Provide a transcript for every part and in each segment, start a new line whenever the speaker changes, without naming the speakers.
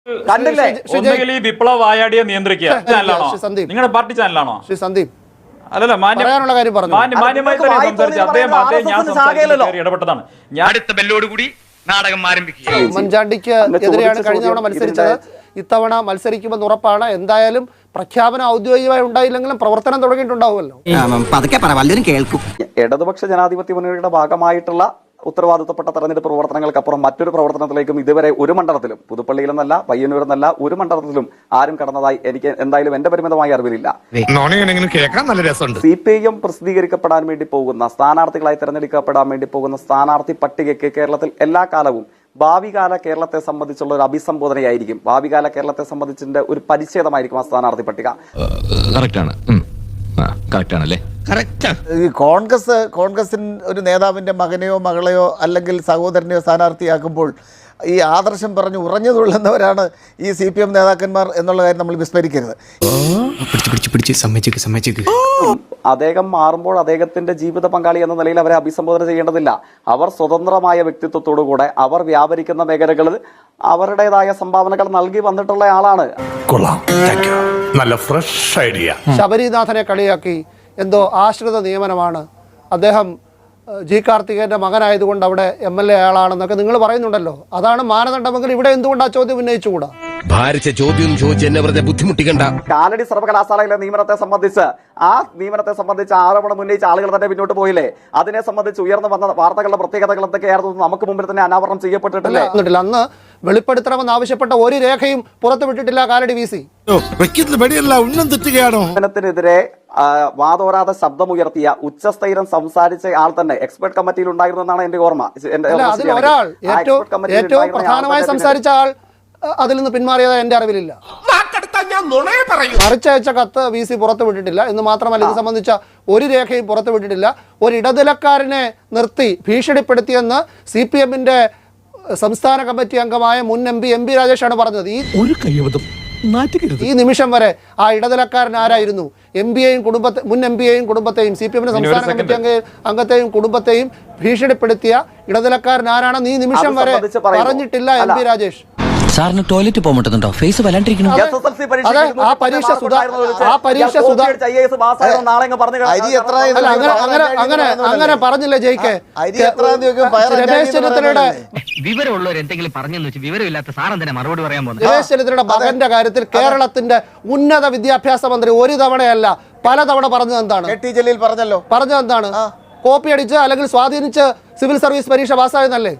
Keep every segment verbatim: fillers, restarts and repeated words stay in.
ഒന്നുകിൽ ഈ വിപ്ലവ വായാടിയെ നിയന്ത്രിക്കുക ചാനലാണോ നിങ്ങളുടെ പാർട്ടി ചാനലാണോ ശ്രീ സന്ദീപ്? അല്ലല്ല മാന്യമായുള്ള കാര്യം പറഞ്ഞു. മാന്യമായി തന്നെ സംസാരിച്ചു അദ്ദേഹം അദ്ദേഹം ഞാൻ സംസാരിച്ചു ഇടപെട്ടതാണ്. ഞാൻ അടുത്ത ബെല്ലോടുകൂടി നാടകം ആരംഭിക്കുക.
ഉമ്മൻചാണ്ടിക്ക് എതിരെയാണ് കഴിഞ്ഞ തവണ മത്സരിച്ചത്. ഇത്തവണ മത്സരിക്കുമെന്ന് ഉറപ്പാണ്. എന്തായാലും പ്രഖ്യാപനം ഔദ്യോഗികമായി ഉണ്ടായില്ലെങ്കിലും പ്രവർത്തനം തുടങ്ങിയിട്ടുണ്ടാവുമല്ലോ.
ഇടതുപക്ഷ ജനാധിപത്യ മുന്നണിയുടെ ഭാഗമായിട്ടുള്ള ഉത്തരവാദിത്തപ്പെട്ട തെരഞ്ഞെടുപ്പ് പ്രവർത്തനങ്ങൾക്കപ്പുറം മറ്റൊരു പ്രവർത്തനത്തിലേക്കും ഇതുവരെ ഒരു മണ്ഡലത്തിലും, പുതുപ്പള്ളിയിലെന്നല്ല പയ്യന്നൂരെന്നല്ല ഒരു മണ്ഡലത്തിലും ആരും കടന്നതായി എനിക്ക് എന്തായാലും എന്റെ പരിമിതമായ അറിവിലില്ല. സി പി ഐ എം പ്രസിദ്ധീകരിക്കപ്പെടാൻ വേണ്ടി പോകുന്ന സ്ഥാനാർത്ഥികളായി തെരഞ്ഞെടുക്കപ്പെടാൻ വേണ്ടി പോകുന്ന സ്ഥാനാർത്ഥി പട്ടികയ്ക്ക് കേരളത്തിൽ എല്ലാ കാലവും ഭാവികാല കേരളത്തെ സംബന്ധിച്ചുള്ള ഒരു അഭിസംബോധനയായിരിക്കും. ഭാവികാല കേരളത്തെ സംബന്ധിച്ചിന്റെ ഒരു പരിച്ഛേദമായിരിക്കും ആ സ്ഥാനാർത്ഥി പട്ടിക.
കോൺഗ്രസ് കോൺഗ്രസിന് ഒരു നേതാവിന്റെ മകനെയോ മകളെയോ അല്ലെങ്കിൽ സഹോദരനെയോ സ്ഥാനാർത്ഥിയാക്കുമ്പോൾ ഈ ആദർശം പറഞ്ഞ് ഉറഞ്ഞു തുള്ളുന്നവരാണ് ഈ സി പി എം നേതാക്കന്മാർ എന്നുള്ള കാര്യം നമ്മൾ വിസ്മരിക്കരുത്.
അദ്ദേഹം മാറുമ്പോൾ അദ്ദേഹത്തിന്റെ ജീവിത പങ്കാളി എന്ന നിലയിൽ അവരെ അഭിസംബോധന ചെയ്യേണ്ടതില്ല. അവർ സ്വതന്ത്രമായ വ്യക്തിത്വത്തോടുകൂടെ അവർ വ്യാപരിക്കുന്ന മേഖലകളിൽ അവരുടേതായ സംഭാവനകൾ നൽകി വന്നിട്ടുള്ള ആളാണ്.
നല്ല ഫ്രഷ് ഐഡിയ.
ശബരിനാഥനെ കളിയാക്കി എന്തോ ആശ്രിത നിയമനമാണ്, അദ്ദേഹം ജി കാർത്തികേയന്റെ മകനായതുകൊണ്ട് അവിടെ എം എൽ എ ആളാണെന്നൊക്കെ നിങ്ങൾ പറയുന്നുണ്ടല്ലോ. അതാണ് മാനദണ്ഡമെങ്കിൽ ഇവിടെ എന്തുകൊണ്ട് ആ ചോദ്യം ഉന്നയിച്ചുകൂടാ?
ഭാരിച്ച ചോദ്യം ചോദിച്ച് എന്നെ വെറുതെ ബുദ്ധിമുട്ടിക്കണ്ട.
കാലടി സർവകലാശാലയിലെ നിയമനത്തെ സംബന്ധിച്ച് ആ നിയമനത്തെ സംബന്ധിച്ച് ആരോപണം ഉന്നയിച്ച ആളുകൾ തന്നെ പിന്നോട്ട് പോയില്ലേ? അതിനെ സംബന്ധിച്ച് ഉയർന്നു വന്ന വാർത്തകളുടെ പ്രത്യേകതകൾ എന്തൊക്കെയായിരുന്നു നമുക്ക് മുമ്പിൽ തന്നെ അനാവരണം ചെയ്യപ്പെട്ടിട്ടില്ലേ?
അന്ന് വെളിപ്പെടുത്തണമെന്ന് ആവശ്യപ്പെട്ട ഒരു രേഖയും പുറത്തുവിട്ടിട്ടില്ല കാലടി വി സി.
നിയമനത്തിനെതിരെ വാദോരാതെ ശബ്ദമുയർത്തിയ ഉച്ചസ്ഥൈര്യം സംസാരിച്ച ആൾ തന്നെ എക്സ്പെർട്ട് കമ്മിറ്റിയിൽ ഉണ്ടായിരുന്നു എന്നാണ് എന്റെ ഓർമ്മ.
ഒരാൾ ഏറ്റവും പ്രധാനമായി സംസാരിച്ച ആൾ അതിൽ നിന്ന് പിന്മാറിയതായി എന്റെ അറിവിലില്ല. മറിച്ചയച്ച കത്ത് വി സി പുറത്തുവിട്ടിട്ടില്ല എന്ന് മാത്രമല്ല, ഇത് സംബന്ധിച്ച ഒരു രേഖയും പുറത്തുവിട്ടിട്ടില്ല. ഒരു ഇടനിലക്കാരനെ നിർത്തി ഭീഷണിപ്പെടുത്തിയെന്ന് സി പി എമ്മിന്റെ സംസ്ഥാന കമ്മിറ്റി അംഗമായ മുൻ എം പി എം പി രാജേഷാണ് പറഞ്ഞത്. ഈ ഒരു കൈവതം ഈ നിമിഷം വരെ ആ ഇടനിലക്കാരൻ ആരായിരുന്നു? എം പിയെയും കുടുംബത്തെ മുൻ എം പിയെയും കുടുംബത്തെയും സി പി എമ്മിന്റെ സംസ്ഥാന കമ്മിറ്റി അംഗ അംഗത്തെയും കുടുംബത്തെയും ഭീഷണിപ്പെടുത്തിയ ഇടനിലക്കാരൻ ആരാണെന്ന് ഈ നിമിഷം വരെ പറഞ്ഞിട്ടില്ല എം പി രാജേഷ്.
സാറിന് ടോയ്ലറ്റ് പോകുന്നുണ്ടോ? ഫേസ് വല്ലാണ്ടിരിക്കുന്നു.
ആ പരീക്ഷ ആ പരീക്ഷ അങ്ങനെ അങ്ങനെ പറഞ്ഞില്ലേ ജയിക്കെ? രമേശ് ചെന്നിത്തലയുടെ
വിവരമുള്ളവർ എന്തെങ്കിലും പറഞ്ഞെന്ന് വെച്ച് വിവരമില്ലാത്ത സാറെന്തിനാ മറുപടി പറയാൻ പോകുന്നത്?
രമേശ് ചെന്നിത്തലയുടെ മകന്റെ കാര്യത്തിൽ കേരളത്തിന്റെ ഉന്നത വിദ്യാഭ്യാസ മന്ത്രി ഒരു തവണയല്ല പലതവണ പറഞ്ഞത് എന്താണ്?
ടി ജലീൽ പറഞ്ഞല്ലോ.
പറഞ്ഞത് എന്താണ്? കോപ്പി അടിച്ച് അല്ലെങ്കിൽ സ്വാധീനിച്ച് സിവിൽ സർവീസ് പരീക്ഷ പാസ്സായെന്നല്ലേ?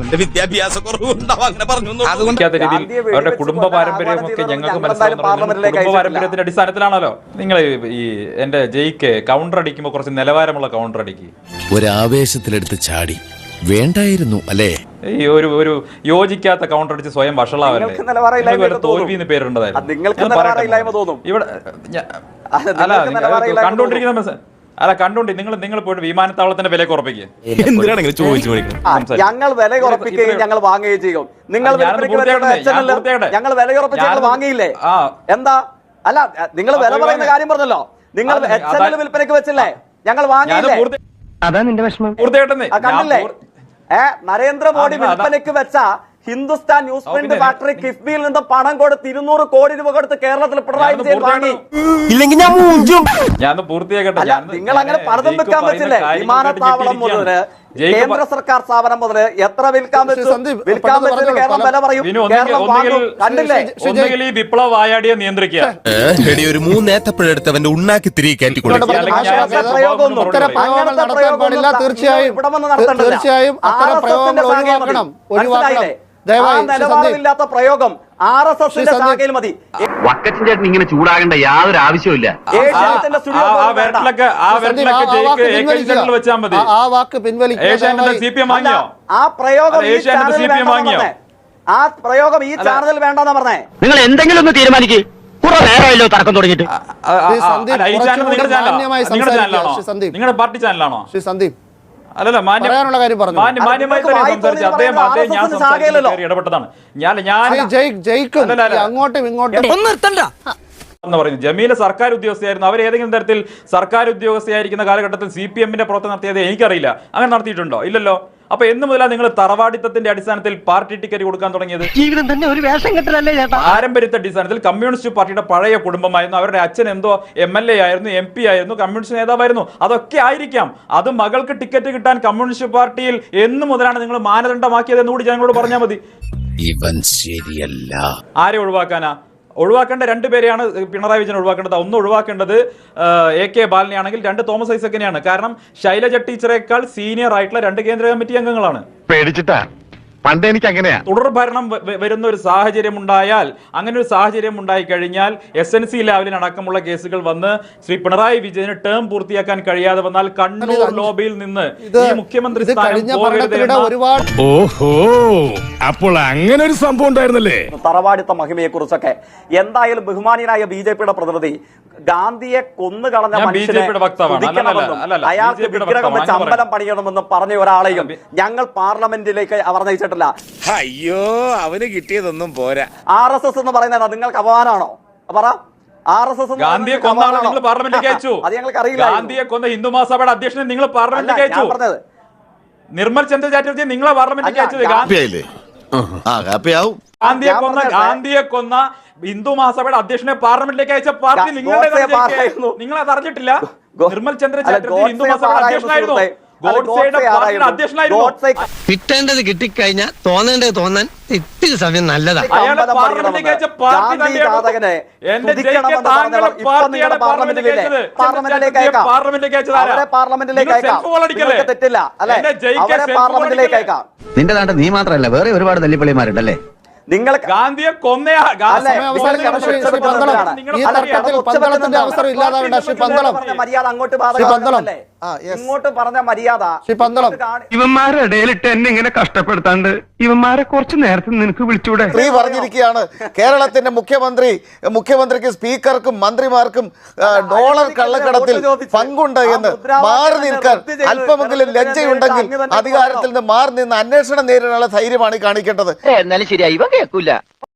അവരുടെ കുടുംബ പാരമ്പര്യമൊക്കെ ഞങ്ങൾക്ക് മനസ്സിലാവുന്ന കുടുംബ പാരമ്പര്യത്തിന്റെ അടിസ്ഥാനത്തിലാണല്ലോ. നിങ്ങൾ ഈ എന്റെ ജയിക്ക് കൗണ്ടർ അടിക്കുമ്പോൾ കുറച്ച് നിലവാരമുള്ള കൗണ്ടർ അടിക്കുക.
ഒരാവേശത്തിലെടുത്ത് ചാടി വേണ്ടായിരുന്നു അല്ലേ?
ഈ ഒരു ഒരു യോജിക്കാത്ത കൗണ്ടർ അടിച്ച് സ്വയം വഷളാവല്ലേ? തോൽവിന്ന് പേരുണ്ടതായിരുന്നു ഇവിടെ. അല്ല കണ്ടുകൊണ്ടിരിക്കുന്ന അല്ല കണ്ടോണ്ടി നിങ്ങൾ നിങ്ങൾ പോയിട്ട് വിമാനത്താവളത്തിന്റെ വില ഉറപ്പിക്കുക.
ഞങ്ങൾ വില ഉറപ്പിക്കുകയും ഞങ്ങൾ വാങ്ങുകയും ചെയ്യും. നിങ്ങൾ ഞങ്ങൾ വില ഉറപ്പിച്ച് ഞങ്ങൾ വാങ്ങിയില്ലേ? എന്താ? അല്ല നിങ്ങൾ വില പറയുന്ന കാര്യം പറഞ്ഞല്ലോ. നിങ്ങൾ എച്ച് എൻ എൽ വിൽപ്പനയ്ക്ക് വെച്ചില്ലേ? ഞങ്ങൾ വാങ്ങിയില്ലേ?
അതാ നിന്റെ വിഷമം.
കണ്ടില്ലേ? ഏ നരേന്ദ്രമോദി വിൽപ്പനയ്ക്ക് വെച്ച ഹിന്ദുസ്ഥാൻ ന്യൂസ് പ്രിന്റ് ഫാക്ടറി കിഫ്ബിയിൽ നിന്ന് പണം കൊടുത്ത് ഇരുന്നൂറ് കോടി രൂപ കൊടുത്ത് കേരളത്തിൽ പിണറായി വിജയൻ വാങ്ങി. നിങ്ങൾ അങ്ങനെ പലതും വെക്കാൻ പറ്റില്ലേ? വിമാനത്താവളം മുതല് കേന്ദ്ര സർക്കാർ സ്ഥാപനം മുതല് എത്ര വിൽക്കാൻ പറ്റും? വിൽക്കാൻ പറ്റില്ല കേരളം വില പറയും. കണ്ടില്ലേ?
ഒന്നുകിൽ ഈ വിപ്ലവ വായാടിയെ നിയന്ത്രിക്കുക.
ഒരു മൂന്നേത്തപ്പഴെടുത്തവന്റെ ഉണ്ണാക്കി തിരികെ കയറ്റിക്കൊടുക്കുക.
തീർച്ചയായും തീർച്ചയായും അത്തരം പ്രയോഗങ്ങൾ ഒഴിവാക്കണം. ഒഴിവാക്കണം.
നിലവാരമില്ലാത്ത പ്രയോഗം ആർ എസ് എസിന്റെ ശാഖയിൽ മതി.
വക്കച്ചൻ ചേട്ടൻ ഇങ്ങനെ ചൂടാകേണ്ട യാതൊരു ആവശ്യമില്ല.
ആ വാക്ക് പിൻവലിക്കുക.
ആ പ്രയോഗം ആ പ്രയോഗം ഈ ചാനലിൽ വേണ്ടെന്നാ പറഞ്ഞേ.
നിങ്ങൾ എന്തെങ്കിലും ഒന്ന് തീരുമാനിക്കും. കുറെ നേരമല്ലോ തർക്കം തുടങ്ങിയിട്ട്.
നിങ്ങളുടെ പാർട്ടി ചാനലാണോ
ശ്രീ സന്ദീപ്?
അല്ലല്ല മാന്യമായുള്ള കാര്യം പറഞ്ഞു. മാന്യമായി തന്നെ സംസാരിച്ചു അദ്ദേഹം അദ്ദേഹം ഞാൻ സംസാരിച്ചു ഇടപെട്ടതാണ്. ഞാൻ ഞാൻ
അങ്ങോട്ടും ഇങ്ങോട്ടും
എന്ന് പറയുന്നത് ജമീല സർക്കാർ ഉദ്യോഗസ്ഥയായിരുന്നു. അവർ ഏതെങ്കിലും തരത്തിൽ സർക്കാർ ഉദ്യോഗസ്ഥയായിരിക്കുന്ന കാലഘട്ടത്തിൽ സി പി എമ്മിന്റെ പ്രവർത്തനം നടത്തിയത് എനിക്കറിയില്ല. അങ്ങനെ നടത്തിയിട്ടുണ്ടോ? ഇല്ലല്ലോ. അപ്പൊ എന്ന് മുതലാണ് നിങ്ങൾ തറവാടിത്തത്തിന്റെ അടിസ്ഥാനത്തിൽ പാർട്ടി ടിക്കറ്റ് കൊടുക്കാൻ തുടങ്ങിയത്?
ജീവിതം തന്നെ ഒരു വേഷം കെട്ടലല്ലേ ചേട്ടാ.
പാരമ്പര്യത്തെ അടിസ്ഥാനത്തിൽ കമ്മ്യൂണിസ്റ്റ് പാർട്ടിയുടെ പഴയ കുടുംബമായിരുന്നു, അവരുടെ അച്ഛൻ എന്തോ എം എൽ എ ആയിരുന്നു, എം പി ആയിരുന്നു, കമ്മ്യൂണിസ്റ്റ് നേതാവായിരുന്നു, അതൊക്കെ ആയിരിക്കാം. അത് മകൾക്ക് ടിക്കറ്റ് കിട്ടാൻ കമ്മ്യൂണിസ്റ്റ് പാർട്ടിയിൽ എന്ന് മുതലാണ് നിങ്ങൾ മാനദണ്ഡമാക്കിയത് എന്നുകൂടി ജനങ്ങളോട് പറഞ്ഞാൽ മതി.
ഇവൻ ശരിയല്ല.
ആരെ ഒഴിവാക്കാനാ? ഒഴിവാക്കേണ്ട രണ്ടുപേരെയാണ് പിണറായി വിജയൻ ഒഴിവാക്കേണ്ടത്. ഒന്ന് ഒഴിവാക്കേണ്ടത് എ കെ ബാലനെയാണെങ്കിൽ, രണ്ട് തോമസ് ഐസക്കിനെയാണ്. കാരണം ശൈലജ ടീച്ചറേക്കാൾ സീനിയർ ആയിട്ടുള്ള രണ്ട് കേന്ദ്ര കമ്മിറ്റി അംഗങ്ങളാണ്.
പേടിച്ചിട്ടാ പണ്ട് എനിക്ക് അങ്ങനെയാ.
തുടർ ഭരണം വരുന്ന ഒരു സാഹചര്യം ഉണ്ടായാൽ, അങ്ങനെ ഒരു സാഹചര്യം ഉണ്ടായി കഴിഞ്ഞാൽ എസ് എൻ സി ലെവലിൽ അടക്കമുള്ള കേസുകൾ വന്ന് ശ്രീ പിണറായി വിജയന് ടേം പൂർത്തിയാക്കാൻ കഴിയാതെ വന്നാൽ കണ്ണൂർ ലോബിയിൽ നിന്ന് ഈ മുഖ്യമന്ത്രി സ്ഥാനം പോകരുത്.
ഒരുപാട്
ഓഹോ, അപ്പോൾ അങ്ങനെ ഒരു സംഭവം ഉണ്ടായിരുന്നല്ലേ?
തറവാടിത്ത മഹിമയെ കുറിച്ചൊക്കെ എന്തായാലും ബഹുമാനിയനായ ബി ജെ പിയുടെ പ്രതിനിധി ഗാന്ധിയെ കൊന്നു കളഞ്ഞ മനുഷ്യനെ സ്തുതിക്കണമെന്നും അയാൾക്ക് വിഗ്രഹം വെച്ച് അമ്പലം പണിയണമെന്നും പറഞ്ഞ ഒരാളെയും ഞങ്ങൾ പാർലമെന്റിലേക്ക് അവർ നയിച്ചിട്ടില്ല.
അയ്യോ, അവന് കിട്ടിയതൊന്നും പോരാ.
ആർ എസ് എസ് എന്ന് പറയുന്നത് നിങ്ങൾക്ക് അപമാനമാണോ? പറ. ആർ എസ് എസ്
ഗാന്ധിയെ കൊന്ന ആളെ നിങ്ങൾ പാർലമെന്റിലേക്ക് അയച്ചു.
അത് ഞങ്ങൾക്ക് അറിയില്ല.
ഗാന്ധിയെ കൊന്ന ഹിന്ദു മഹാസഭയുടെ അധ്യക്ഷനെ നിങ്ങൾ പാർലമെന്റിലേക്ക് അയച്ചു.
പറഞ്ഞത്
നിർമ്മൽ ചന്ദ്ര ചാറ്റർജി നിങ്ങളെ പാർലമെന്റിലേക്ക് അയച്ചത്. ഗാന്ധിയെ കൊന്ന ഗാന്ധിയെ കൊന്ന ഹിന്ദു മഹാസഭയുടെ അധ്യക്ഷനെ പാർലമെന്റിലേക്ക് അയച്ച പാർട്ടി നിങ്ങളുടെ നിങ്ങൾ അത് അറിഞ്ഞിട്ടില്ല. നിർമ്മൽ ചന്ദ്ര ചാറ്റർജി ഹിന്ദു മഹാസഭയുടെ അധ്യക്ഷനായിരുന്നു.
കിട്ടേണ്ടത് കിട്ടിക്കഴിഞ്ഞാൽ തോന്നേണ്ടത് തോന്നാൻ ഇത്തിരി സമയം നല്ലതാ. നിന്റെ നാട്ടിൽ നീ മാത്രമല്ല വേറെ ഒരുപാട് തല്ലിപ്പള്ളിമാരുണ്ടല്ലേ.
നിങ്ങൾ
ഗാന്ധിയെ കൊന്ന
മര്യാദ അങ്ങോട്ട് ഇങ്ങോട്ട് പറഞ്ഞ മര്യാദ
ഇവന്മാരുടെ ഇടയിലിട്ട് എന്നെ ഇങ്ങനെ കഷ്ടപ്പെടുത്താണ്ട് ഇവന്മാരെ കുറച്ച് നേരത്തെ നിനക്ക് വിളിച്ചൂടെ?
സ്ത്രീ പറഞ്ഞിരിക്കുകയാണ് കേരളത്തിന്റെ മുഖ്യമന്ത്രി മുഖ്യമന്ത്രിക്ക് സ്പീക്കർക്കും മന്ത്രിമാർക്കും ഡോളർ കള്ളക്കടത്തിൽ പങ്കുണ്ട് എന്ന്. മാറി നിൽക്കാൻ അല്പമെങ്കിലും ലജ്ജയുണ്ടെങ്കിൽ അധികാരത്തിൽ നിന്ന് മാറി നിന്ന് അന്വേഷണം നേരിടാനുള്ള ധൈര്യമാണ് കാണിക്കേണ്ടത്.
എന്നാലും ശരിയായി കേൾക്കൂല.